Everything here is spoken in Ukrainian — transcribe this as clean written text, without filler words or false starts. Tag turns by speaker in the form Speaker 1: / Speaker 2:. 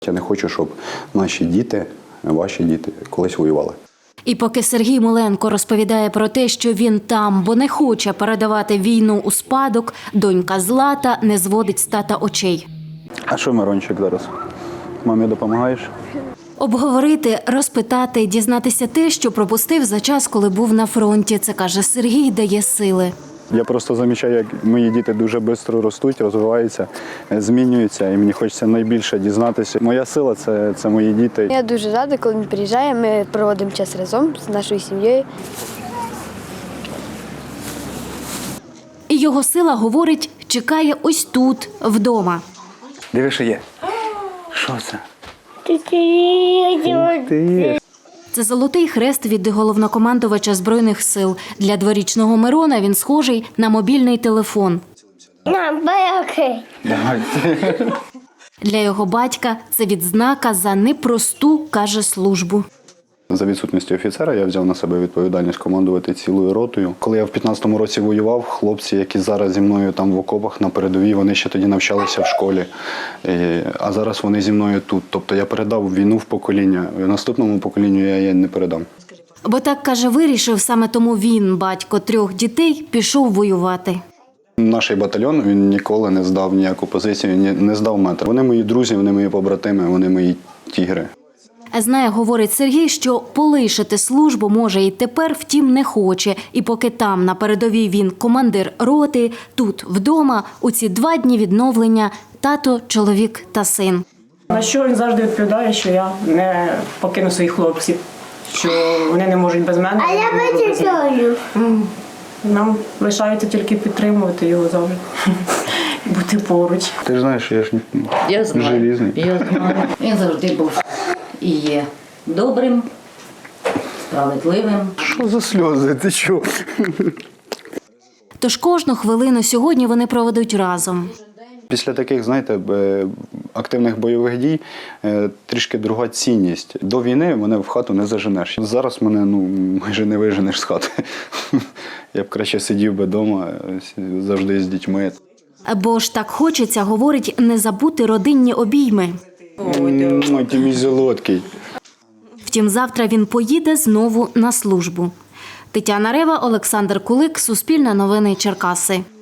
Speaker 1: Я не хочу, щоб наші діти, ваші діти колись воювали.
Speaker 2: І поки Сергій Муленко розповідає про те, що він там, бо не хоче передавати війну у спадок, донька Злата не зводить з тата очей.
Speaker 1: А що, Мирончик, зараз? Мамі допомагаєш?
Speaker 2: Обговорити, розпитати, дізнатися те, що пропустив за час, коли був на фронті. Це, каже Сергій, дає сили.
Speaker 1: Я просто замічаю, як мої діти дуже швидко ростуть, розвиваються, змінюються, і мені хочеться найбільше дізнатися. Моя сила – це мої діти.
Speaker 3: Я дуже рада, коли він приїжджає, ми проводимо час разом з нашою сім'єю.
Speaker 2: І його сила, говорить, чекає ось тут, вдома.
Speaker 1: Диви, що є. Що це?
Speaker 2: Це золотий хрест від головнокомандувача Збройних сил. Для дворічного Мирона він схожий на мобільний телефон. Для його батька це відзнака за непросту, каже, службу.
Speaker 1: За відсутністю офіцера я взяв на себе відповідальність командувати цілою ротою. Коли я в 15-му році воював, хлопці, які зараз зі мною там в окопах на передовій, вони ще тоді навчалися в школі. А зараз вони зі мною тут. Тобто я передав війну в покоління. Наступному поколінню я її не передам.
Speaker 2: Бо так, каже, вирішив, саме тому він, батько 3 дітей, пішов воювати.
Speaker 1: Наш батальйон, він ніколи не здав ніяку позицію, не здав метр. Вони мої друзі, вони мої побратими, вони мої тігри.
Speaker 2: Знає, говорить Сергій, що полишити службу може і тепер, втім, не хоче. І поки там, на передовій, він командир роти, тут, вдома, у ці 2 дні відновлення – тато, чоловік та син.
Speaker 4: На що він завжди відповідає, що я не покину своїх хлопців, що вони не можуть без мене.
Speaker 3: А я вичекаю.
Speaker 4: Нам лишається тільки підтримувати його завжди, бути поруч.
Speaker 1: Ти ж знаєш, що я ж желізний.
Speaker 5: Я знаю. Він завжди був і є добрим, справедливим.
Speaker 1: Що за сльози? Ти чого?
Speaker 2: Тож кожну хвилину сьогодні вони проведуть разом.
Speaker 1: Після таких, знаєте, активних бойових дій трішки друга цінність. До війни мене в хату не заженеш. Зараз мене майже не виженеш з хати. Я б краще сидів би вдома, завжди з дітьми.
Speaker 2: Бо ж так хочеться, говорить, не забути родинні обійми.
Speaker 1: Ой, ти мій золоткий.
Speaker 2: Втім, завтра він поїде знову на службу. Тетяна Рева, Олександр Кулик, Суспільне новини Черкаси.